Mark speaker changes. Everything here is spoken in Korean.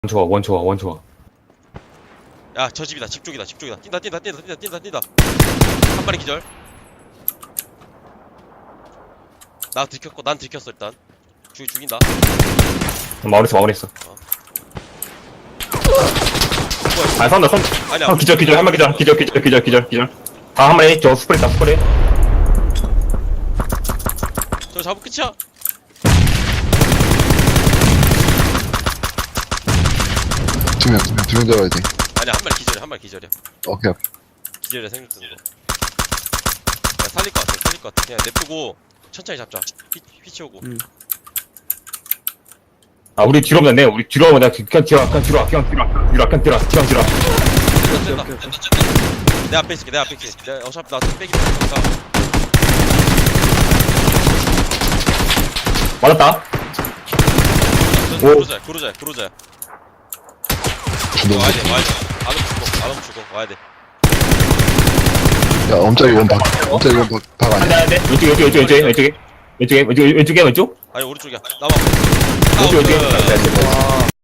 Speaker 1: 좋아, 원 좋아, 원 좋아.
Speaker 2: 야, 저 집이다. 집 쪽이다. 집 쪽이다. 뛴다. 한 마리 기절. 나 들켰고, 난 들켰어, 일단. 죽인다.
Speaker 1: 마무리했어.
Speaker 2: 뭐야,
Speaker 1: 아, 선다.
Speaker 2: 아니야.
Speaker 1: 기절, 한 마리 기절. 아, 한 마리, 저 스프레이.
Speaker 2: 저 잡을 끝이야.
Speaker 3: 두 명 잡아야 돼.
Speaker 2: 아니야, 한 마리 기절이야.
Speaker 3: 오케이.
Speaker 2: 기절이야, 생각 드는 거. 야, 살릴 것 같아. 그냥 냅두고, 천천히 잡자. 휘치오고.
Speaker 1: 아, 우리 뒤로 오면 돼. 우리 뒤로 오면 내가 그냥 뒤로.
Speaker 2: 된다. 내 앞에 있을게. 내가 어차피 나 빼기 되니까.
Speaker 1: 맞았다.
Speaker 2: 그러자야.
Speaker 3: 주동.
Speaker 2: 와야 돼. 아름 죽어. 와야 돼.
Speaker 3: 야, 엄짜리 원박 아니야?
Speaker 1: 안 돼. 왼쪽에.
Speaker 2: 아니, 오른쪽이야. 나와.
Speaker 1: 왼쪽에.